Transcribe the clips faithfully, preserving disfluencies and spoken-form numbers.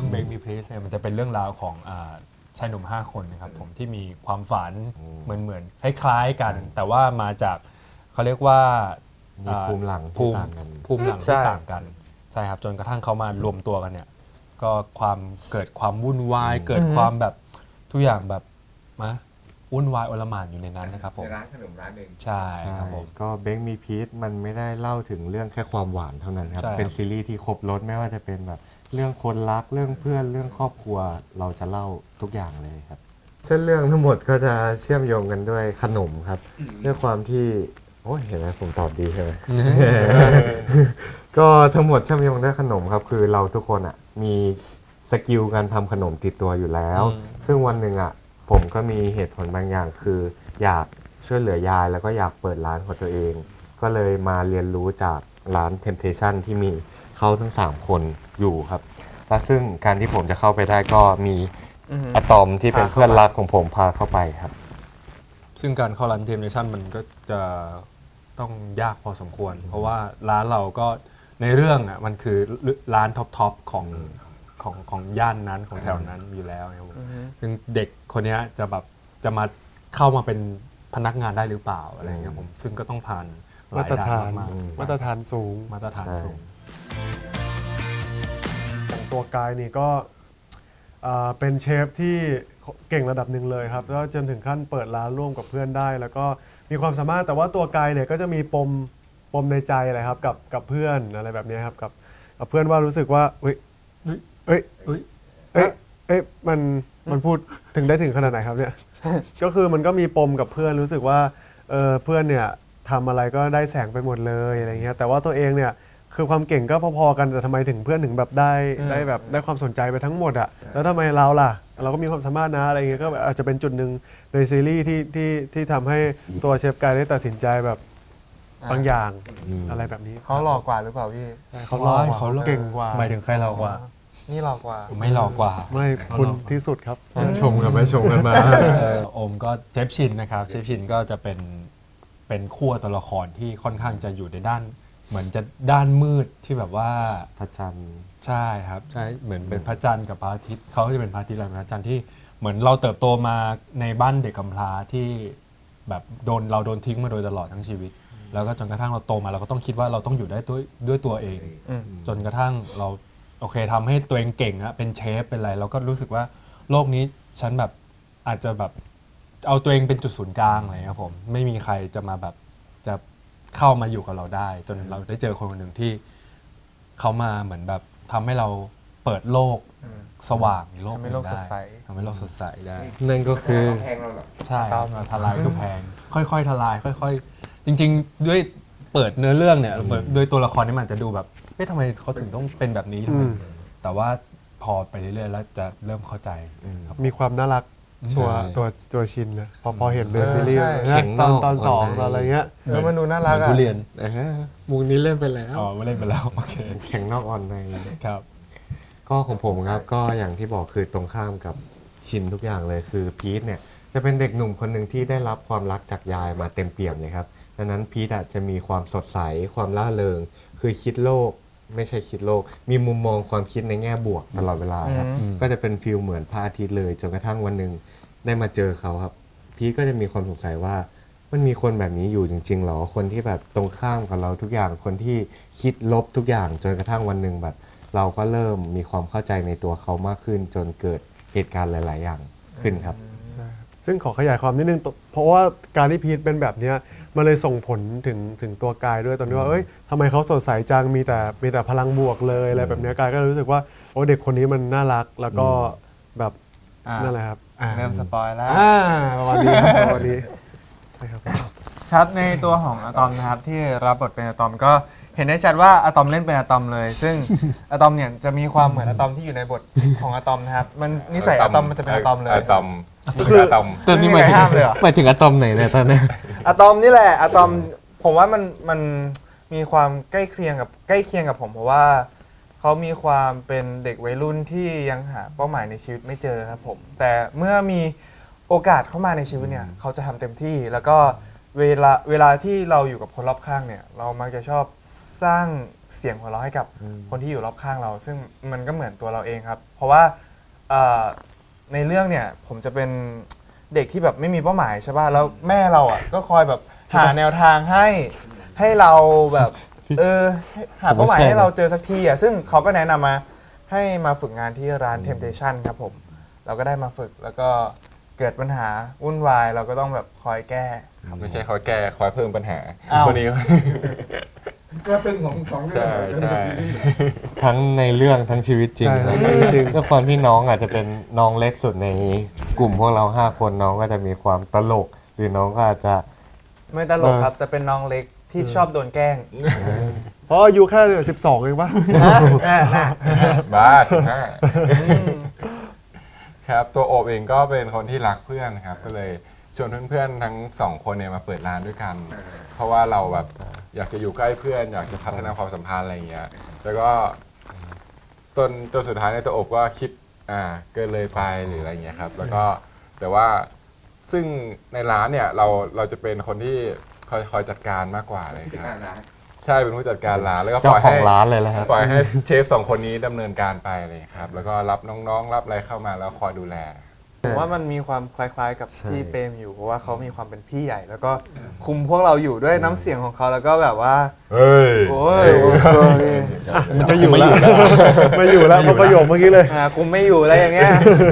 รื่อง Break Me Please เนี่ยมันจะเป็นเรื่องราวของอ่าชายหนุ่มห้าคนนะครับผมที่มีความฝันเหมือนเหมือนคล้ายๆกัน แต่ว่ามาจากเขาเรียกว่ามีภูมิหลังภูที่มิต่างกันภูมิหลังที่ต่างกันใช่ครับจนกระทั่งเขามารวมตัวกันเนี่ยก็ความเกิดความวุ่นวายเกิดความแบบทุกอย่างแบบมะวุ่นวายอลหม่านอยู่ในนั้นนะครับผมในร้านขนมร้านหนึ่งใช่ครับผมก็เบคมีพีทมันไม่ได้เล่าถึงเรื่องแค่ความหวานเท่านั้นครับใช่ครับเป็นซีรีส์ที่ครบรสไม่ว่าจะเป็นแบบเรื่องคนรักเรื่องเพื่อนเรื่องครอบครัวเราจะเล่าทุกอย่างเลยครับเส้นเรื่องทั้งหมดก็จะเชื่อมโยงกันด้วยขนมครับด้วยความที่โอ้ยเห็นไหมผมตอบดีใช่ไหม ก็ทั้งหมดเชื่อมโยงด้วยขนมครับคือเราทุกคนอ่ะมีสกิลการทำขนมติดตัวอยู่แล้วอืมซึ่งวันหนึ่งอ่ะผมก็มีเหตุผลบางอย่างคือ อยากช่วยเหลือยายแล้วก็อยากเปิดร้านของตัวเอง ก็เลยมาเรียนรู้จากร้าน Temptation ที่มีเขาทั้งสามคนอยู่ครับและซึ่งการที่ผมจะเข้าไปได้ก็มีอะตอมที่เป็นเพื่อนรักของผมพาเข้าไปครับซึ่งการเข้าร้านเทมเนชั่นมันก็จะต้องยากพอสมควร เพราะว่าร้านเราก็ในเรื่องอ่ะมันคือร้านท็อปๆของของของย่านนั้นของแถวนั้นอยู่แล้วนะครับผมซึ่งเด็กคนเนี้ยจะแบบจะมาเข้ามาเป็นพนักงานได้หรือเปล่าอะไรเงี้ยผมซึ่งก็ต้องผ่านหลายมาตรด่านฐานมากมาตรฐานสูงๆมาตรฐานสูงของตัวกายนี่ก็อ่าเป็นเชฟที่เก่งระดับหนึ่งเลยครับแล้วจนถึงขั้นเปิดร้านร่วมกับเพื่อนได้ แล้วก็มีความสามารถแต่ว่าตัวกายเนี่ยก็จะมีปมปมในใจอะไรครับกับกับเพื่อนอะไรแบบนี้ครับกับกับเพื่อนว่ารู้สึกว่าเอ้ยเอ้ยเอ้ยเอ้ยเอ้ยมันมันพูดถึงได้ถึงขนาดไหนครับเนี่ย ก็คือมันก็มีปมกับเพื่อนรู้สึกว่าเออเพื่อนเนี่ยทำอะไรก็ได้แสงไปหมดเลยอะไรเงี้ยแต่ว่าตัวเองเนี่ยคือความเก่งก็พอๆกันแต่ทำไมถึงเพื่อนถึงแบบได้ได้แบบได้ความสนใจไปทั้งหมดอะแล้วทำไมเราล่ะ เราก็มีความสามารถนะอะไรเงี้ยก็อาจจะเป็นจุดหนึ่งในซีรีส์ที่ที่ที่ทำให้ตัวเชฟกายได้ตัดสินใจแบบบางอย่างอืมอะไรแบบนี้เขาหล่อกว่าหรือเปล่าพี่เขาหล่อกว่าเขาหล่อเก่งกว่าหมายถึงใครเรากว่านี่หล่อกว่าไม่หลอกกว่าไม่คุณที่สุดครับชมกันไปชมกันมาเออโอมก็เชฟชินนะครับเชฟชินก็จะเป็นเป็นขั้วตัวละครที่ค่อนข้างจะอยู่ในด้าน เหมือนจะด้านมืดที่แบบว่าพระจันทร์ใช่ครับใช่เหมือนเป็นพระจันทร์กับพระอาทิตย์เขาก็จะเป็นพระอาทิตย์และพระจันทร์ที่เหมือนเราเติบโตมาในบ้านเด็กกำพร้าที่แบบโดนเราโดนทิ้งมาโดยตลอดทั้งชีวิต แล้วก็จนกระทั่งเราโตมาเราก็ต้องคิดว่าเราต้องอยู่ได้ด้วยด้วยตัวเองอืมจนกระทั่งเราโอเคทำให้ตัวเองเก่งอะเป็นเชฟเป็นอะไรเราก็รู้สึกว่าโลกนี้ฉันแบบอาจจะแบบเอาตัวเองเป็นจุดศูนย์กลางอะไรครับผมไม่มีใครจะมาแบบจะเข้ามาอยู่กับเราได้ จนเราได้เจอคนคนหนึ่งที่เขามาเหมือนแบบทำให้เราเปิดโลกสว่างโลกทำให้โลกนึ่งสดใสทำให้โลกสดใสได้นั่นก็คือแพงเราเหรอใช่ครับมาทลายกำแพงค่อยๆทลายค่อยๆ จริง ๆ ด้วยเปิดเนื้อเรื่องเนี่ยเปิดด้วยตัวละครนี่มันจะดูแบบเอ๊ะทำไมเขาถึงต้องเป็นแบบนี้ทำไมอืมแต่ว่าพอไปเรื่อยๆแล้วจะเริ่มเข้าใจครับมีความน่ารักตัวใช่ตัวตัวชินนะพอพอเห็นในซีรีส์ใช่นะเข็งตอนนอกตอนสองอ่อนในตอนอะไรเงี้ยแล้วมันดูน่ารักเหมือนอ่ะทุเรียนเออมุกนี้เล่นไปแล้วอ๋อไม่เล่นไปแล้วโอเคแข็งนอกอ่อนในครับก็ของผมครับก็อย่างที่บอกคือตรงข้ามกับชินทุกอย่างเลยคือพีทเนี่ยจะเป็นเด็กหนุ่มคนหนึ่งที่ได้รับความรักจากยายมาเต็มเปี่ยมเลยครับดังนั้นพีทอะจะมีความสดใสความล่าเริง คือคิดโลกไม่ใช่คิดโลก มีมุมมองความคิดในแง่บวกตลอดเวลาครับอืมก็จะเป็นฟิลเหมือนพระอาทิตย์เลยจนกระทั่งวันหนึ่งได้มาเจอเขาครับ พีทก็จะมีความสงสัยว่ามันมีคนแบบนี้อยู่จริงๆหรอคนที่แบบตรงข้ามกับเราทุกอย่างคนที่คิดลบทุกอย่างจนกระทั่งวันหนึ่งแบบ เราก็เริ่มมีความเข้าใจในตัวเขามากขึ้น จนเกิดเหตุการณ์หลาย ๆ อย่างขึ้นครับซึ่งขอขยายความนิดนึงตเพราะว่าการที่พีทเป็นแบบเนี้ยมันเลยส่งผลถึงถึงตัวกายด้วยตอนที่ว่าเอ้ยทำไมเขาสดใสจังมีแต่มีแต่พลังบวกเลยอะไรแบบเนี้ยกายก็รู้สึกว่าโอ้เด็กคนนี้มันน่ารักแล้วก็แบบอ่านั่นแหละครับอ่าเริ่มสปอยแล้วอ่าประมาณนี้ครับประมาณนี้ใช่ครับครับในตัวของอะตอมนะครับที่รับบทเป็นอะตอมก็เห็นได้ชัดว่าอะตอมเล่นเป็นอะตอมเลย ซึ่ง อะตอมเนี่ยจะมีความเหมือนอะตอมที่อยู่ในบทของอะตอมนะครับมันนิสัยอะตอมมันจะเป็นอะตอมเลยอะตอมคืออะตอมตอนนี้หมายถึงไม่มีใครห้ามเลยเหรอหมายถึงอะตอมไหนเนี่ยตอนนี้อะตอมนี่แหละอะตอมผมว่ามันมันมีความใกล้เคียงกับใกล้เคียงกับผมเพราะว่าเขามีความเป็นเด็กวัยรุ่นที่ยังหาเป้าหมายในชีวิตไม่เจอครับผมแต่เมื่อมีโอกาสเข้ามาในชีวิตเนี่ยเขาจะทำเต็มที่แล้วก็เวลาเวลาที่เราอยู่กับคนรอบข้างเนี่ยเรามักจะชอบสร้างเสียงหัวเราะให้กับคนที่อยู่รอบข้างเรา ซึ่งมันก็เหมือนตัวเราเองครับ เพราะว่าเอ่อในเรื่องเนี่ยผมจะเป็นเด็กที่แบบไม่มีเป้าหมายใช่ป่ะแล้วแม่เราอ่ะก็คอยแบบหาแนวทางให้ให้เราแบบเออหาเป้าหมายให้เราเจอสักทีอ่ะซึ่งเขาก็แนะนำมาให้มาฝึกงานที่ร้าน Temptation ครับผมเราก็ได้มาฝึกแล้วก็เกิดปัญหาวุ่นวายเราก็ต้องแบบคอยแก้ไม่ใช่คอยแก้คอยเพิ่มปัญหาอ้าวคนนี้ก็ตึงของของเรื่ใช่องใช่ทั้งในเรื่องทั้งชีวิตจริงใช่ครับจริงด้วยความที่น้องอาจจะเป็นน้องเล็กสุดในกลุ่มพวกเราห้าคนน้องก็จะมีความตลก หรือน้องก็อาจจะไม่ตลกครับ แต่เป็นน้องเล็กที่ชอบโดนแกล้งเพราะอายุแค่สิบสองเองปะบ้าสิบห้าครับตัวโอบเองก็เป็นคนที่รักเพื่อนครับ ก็เลยชวนเพื่อนๆทั้งสองคนเนี่ยมาเปิดร้านด้วยกัน เพราะว่าเราแบบอยากจะอยู่ใกล้เพื่อน อยากจะพัฒนาความสัมพันธ์อะไรอย่างเงี้ยแล้วก็จนจนสุดท้ายในยตัวโอบก็คิดอ่าเกินเลยไปหรืออะไรอย่างเงี้ยครับ แล้วก็แต่ว่าซึ่งในร้านเนี่ยเราเราจะเป็นคนที่คอยคอยจัดการมากกว่าเลยครับ ใช่เป็นผู้จัดการร้านแล้วก็ปเจ้าล่อยขอให้งร้านเลยแหละครับปล่อยให้เชฟสองคนนี้ดำเนินการไปเลยครับ แล้วก็รับน้องๆ รับอะไรเข้ามาแล้วคอยดูแลผมว่ามันมีความคล้ายๆกับใช่พี่เปรมอยู่เพราะว่าเขามีความเป็นพี่ใหญ่ แล้วก็คุมพวกเราอยู่ด้วยน้ำเสียงของเขาแล้วก็แบบว่าเฮ้ยโอ้ยมันจะอยู่แล้วไม่อยู่แล้วเพราะประโยคเมื่อกี้เลยอ่าคุมไม่อยู่อะไรอย่างเงี้ย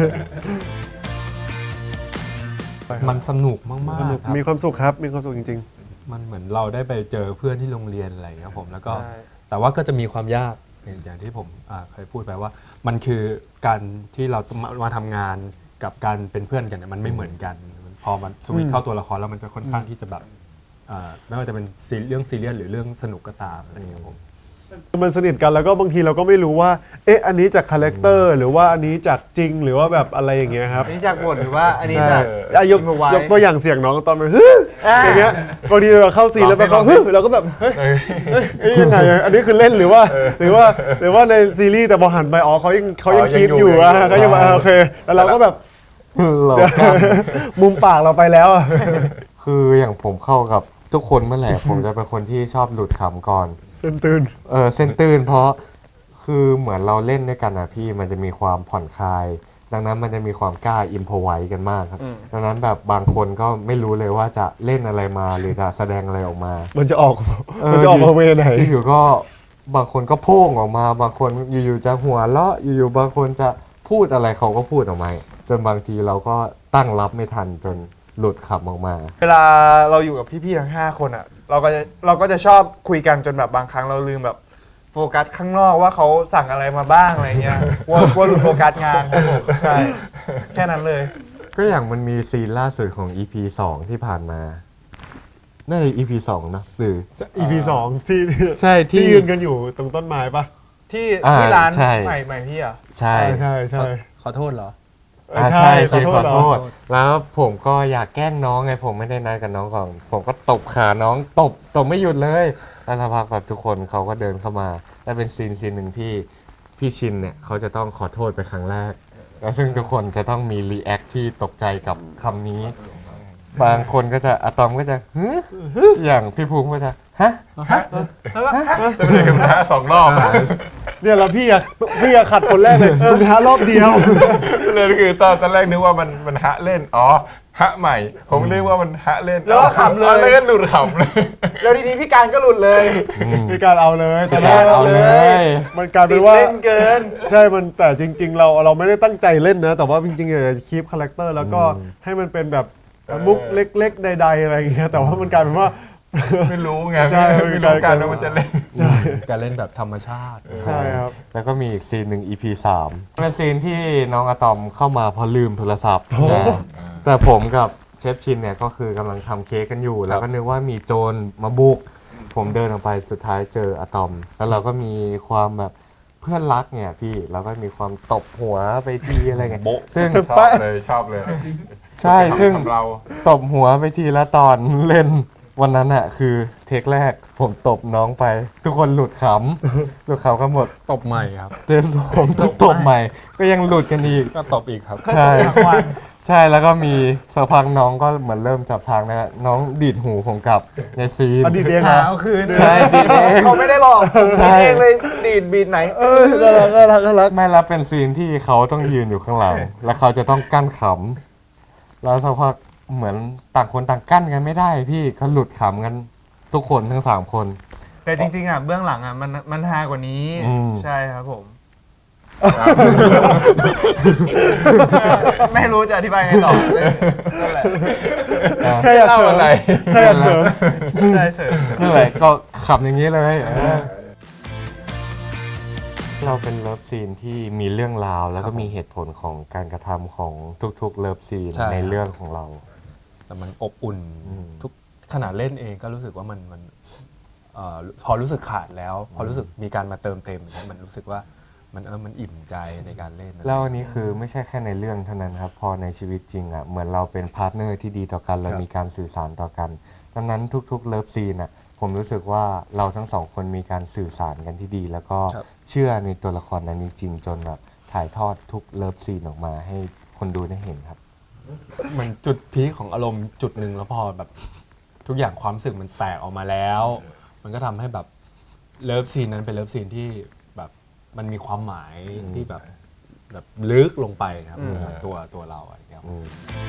มันสนุกมากๆสนุกครับมีความสุขครับ มีความสุขจริงมันเหมือนเราได้ไปเจอเพื่อนที่โรงเรียนอะไรอย่างเงี้ยครับผมแล้วก็ใช่แต่ว่าก็จะมีความยากอย่างที่ผมอ่าเคยพูดไปว่า มันคือการที่เราต้องมามาทำงานกับการเป็นเพื่อนกันเนี่ยมันไม่เหมือนกัน พอมันสวิตช์เข้าตัวละครแล้วมันจะค่อนข้างที่จะแบบอ่าไม่ว่าจะเป็นซีเรื่องซีเรียสหรือเรื่องสนุกก็ตามอะไรอย่างเงี้ยครับผมๆ มันสนิทกันแล้วก็บางทีเราก็ไม่รู้ว่า เอ๊ะ อันนี้จากคาแรคเตอร์หรือว่าอันนี้จากจริงหรือว่าแบบอะไรอย่างเงี้ยครับอันนี้จากบทหรือว่าอันนี้ใช่จากอ่ะยกเอาไว้ยกตัวอย่างเสียงน้องตอนมันฮึอย่างเงี้ยบางทีเราเข้าซีนแล้วไปเขาฮึเราก็แบบเฮ้ยเฮ้ยเอ้ยยังไงอ่ะอันนี้คือเล่นหรือว่า หรือว่าหรือว่าในซีรีส์แต่พอหันไปอ๋อเขายังเขายังอ๋อยังคิดอยู่อยู่อ่ะยังอยู่เขายังแบบอ่ะโอเคแล้วเราก็แบบเรามุมปากเราไปแล้วอ่ะคืออย่างผมเข้ากับทุกคนเมื่อไหร่ ผมจะเป็นคนที่ชอบหลุดขำก่อนเส้นตื่นเออเส้นตื่นเพราะคือเหมือนเราเล่นด้วยกันนะพี่มันจะมีความผ่อนคลาย ดังนั้นมันจะมีความกล้าอิมพอไว้กันมากครับ ดังนั้นแบบบางคนก็ไม่รู้เลยว่าจะเล่นอะไรมาหรือจะแสดงอะไรออกมามันจะออกเออมันจะออกมาเวไหนอยู่ๆก็บางคนก็โพ่งออกมา บางคนอยู่ๆจะหัวเราะอยู่ๆบางคนจะพูดอะไรเขาก็พูดออกมาจนบางทีเราก็ตั้งรับไม่ทันจนหลุดขำออกมาเวลาเราอยู่กับพี่ๆทั้งห้าคนอ่ะเราก็จะเราก็จะชอบคุยกันจนแบบบางครั้งเราลืมแบบโฟกัสข้างนอกว่าเขาสั่งอะไรมาบ้างอะไรเงี้ยกลัวกลัวหลุดโฟกัสงานครับผมใช่แค่นั้นเลยก็อย่างมันมีซีนล่าสุดของ อี พี สองที่ผ่านมาน่าจะ อี พี สองนะหรืออี พี สองที่ใช่ที่ที่ยืนกันอยู่ตรงต้นไม้ปะที่อ่าที่ร้านใช่ใหม่ใหม่พี่อ่ะใช่ใช่ใช่ขอโทษเหรอเอออ่าใช่ใช่ขอซีนโทขษอเหรอโทษแล้วผมก็อยากแกล้งน้องไงผมไม่ได้นัดกับน้องก่อนผมก็ตบขาน้องตบตบไม่หยุดเลยแล้วสักพักแบบทุกคนเขาก็เดินเข้ามาแล้วเป็นซีนซีนหนึ่งที่พี่ชินเนี่ยเขาจะต้องขอโทษไปครั้งแรก แล้วซึ่งทุกคนจะต้องมีรีแอคที่ตกใจกับคำนี้ บางคนก็จะอะตอมก็จะฮึอย่างพี่ภูมิก็จะฮะจะไม่ได้กับน้าสองรอบเนี่ยแล้วพี่อะพี่อะขัดคนแรกเลยเออท้ารอบเดียวเลยคือตอนตอนแรกนึกว่ามันมันฮะเล่นอ๋อฮะใหม่ ผมนึกว่ามันฮะเล่นแล้วก็ขำเลยอ๋อแล้วก็หลุดขำเลยแล้วทีนี้พี่การก็หลุดเลยมีการเอาเลยแต่การเอาเลยมันกลายติเป็ดนว่าเล่นเกินใช่มันแต่จริง ๆ เราเราไม่ได้ตั้งใจเล่นนะ แต่ว่าจริงๆอยากจะคีปคาแรคเตอร์แล้วก็ให้มันเป็นแบบมุกเล็กๆใดๆอะไรอย่างเงี้ยแต่ว่ามันกลายเป็นว่าไม่รู้ไงใช่ไม่ไม่รู้กันว่ามันจะเล่นใช่การเล่นแบบธรรมชาติใช่ครับแล้วก็มีอีกซีนหนึ่ง อี พี สามเป็นซีนที่น้องอะตอมเข้ามาเพราะลืมโทรศัพท์นะแต่ผมกับเชฟชินเนี่ยก็คือกำลังทำเค้กกันอยู่ แล้วก็นึกว่ามีโจรมาบุก ผมเดินออกไปสุดท้ายเจออะตอม แล้วเราก็มีความแบบเพื่อนรักเนี่ยพี่เราก็มีความตบหัวไปทีอะไรเงี้ยโบ๊ะซึ่งชอบเลยชอบเลยใช่ซึ่งทำเราตบหัวไปทีละตอนเล่นวันนั้นอะคือเทคแรกผมตบน้องไป ทุกคนหลุดขำ หลุดขำกันหมดตบใหม่ครับเทปผมตบใหม่ ก็ยังหลุดกันอีกก็ตบอีกครับใช่ใช่แล้วก็มีสักพักน้องก็เหมือนเริ่มจับทางนะฮะน้องดีดหูผมกลับในซีนอดีตเองหานะเอาคืนใช่ดีดเองเขาไม่ได้หลอกผมใช่คิดเองเลยดีดบีดไหนเออน่ารักน่ารักน่ารักไม่รับเป็นซีนที่เขาต้องยืนอยู่ข้างหลัง แล้วเขาจะต้องกั้นขำแล้วสักพักเหมือนต่างคนต่างกั้นกันไม่ได้พี่เขาหลุดขำกันทุกคนทั้งสามคนแต่จริงๆอ่ะเบื้องหลังอ่ะมันมันฮากว่านี้อืมใช่ครับผม ไม่รู้จะอธิบายไงต่อนั่นแหละแค่อยากเสริมอะไรแค่อยากเสริมใช่เสริมนั่นแหละก็ขำอย่างนี้เลยเออเราเป็นเลิฟซีนที่มีเรื่องราวแล้วก็มีเหตุผลของการกระทำของทุกๆเลิฟซีนใช่ในเรื่องของเราแต่มันอบอุ่นอืมทุกขนาดเล่นเองก็รู้สึกว่ามันมันเอ่อพอรู้สึกขาดแล้ว พอรู้สึกมีการมาเติมเต็มเนี่ยมันรู้สึกว่ามันเออมันอิ่มใจในการเล่นนะแล้วอันนี้คือไม่ใช่แค่ในเรื่องเท่านั้นครับ พอในชีวิตจริงอ่ะเหมือนเราเป็นพาร์ทเนอร์ที่ดีต่อกันเรามีการสื่อสารต่อกันดังนั้นทุกๆเลิฟซีนอ่ะผมรู้สึกว่าเราทั้งสองคนมีการสื่อสารกันที่ดี แล้วก็ครับเชื่อในตัวละครนั้นจริงๆจนแบบถ่ายทอดทุกเลิฟซีนออกมาให้คนดูได้เห็นครับเหมือนจุดพีคของอารมณ์จุดหนึ่งแล้วพอแบบทุกอย่างความรู้สึกมันแตกออกมาแล้ว มันก็ทำให้แบบเลิฟซีนนั้นเป็นเลิฟซีนที่แบบมันมีความหมายที่แบบแบบลึกลงไปครับตัวตัวเราอะไรอย่างเงี้ยครับอืม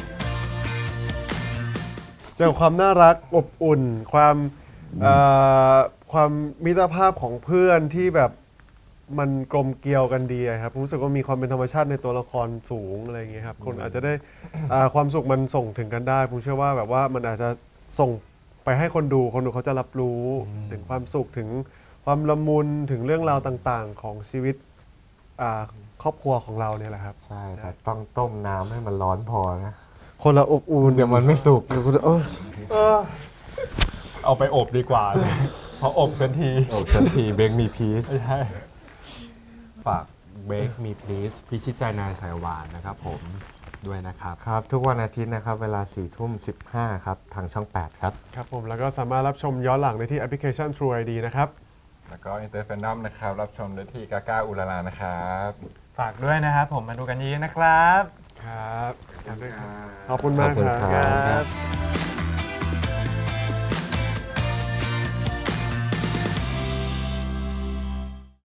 เจอความน่ารักอบอุ่น ความเอ่อความมิตรภาพของเพื่อนที่แบบมันกลมเกลียวกันดีอะครับผมรู้สึกว่ามีความเป็นธรรมชาติในตัวละครสูงอะไรอย่างเงี้ยครับคนอาจจะได้อ่าความสุขมันส่งถึงกันได้ผมเชื่อว่าแบบว่ามันอาจจะส่งไปให้คนดูคนดูเขาจะรับรู้ถึงความสุขถึงความละมุนถึงเรื่องราวต่างๆ ของชีวิตอ่าครอบครัวของเราเนี่ยแหละครับใช่แต่ต้องต้มน้ำให้มันร้อนพอนะคนละอบอุ่นเดี๋ยวมันไม่สุกเดี๋ยวคุณเออเอาไปอบดีกว่า เพราะอบสันทีโอ้สันทีเบงมีพีซไม่ใช่ฝาก Bake Me Please พิชิตใจนายสายหวานนะครับผมด้วยนะครับครับ ทุกวันอาทิตย์นะครับ เวลาสี่ทุ่มสิบห้าครับ ทางช่อง แปด ครับครับผมแล้วก็สามารถรับชมย้อนหลังได้ที่แอปพลิเคชัน True ไอ ดี นะครับแล้วก็อินเตอร์แฟนดอมนะครับ รับชมได้ที่กาก้าอุลาลานะครับฝากด้วยนะครับผมมาดูกันเยอะๆนะครับครับขอบคุณมากขอบคุณคครัรับครับ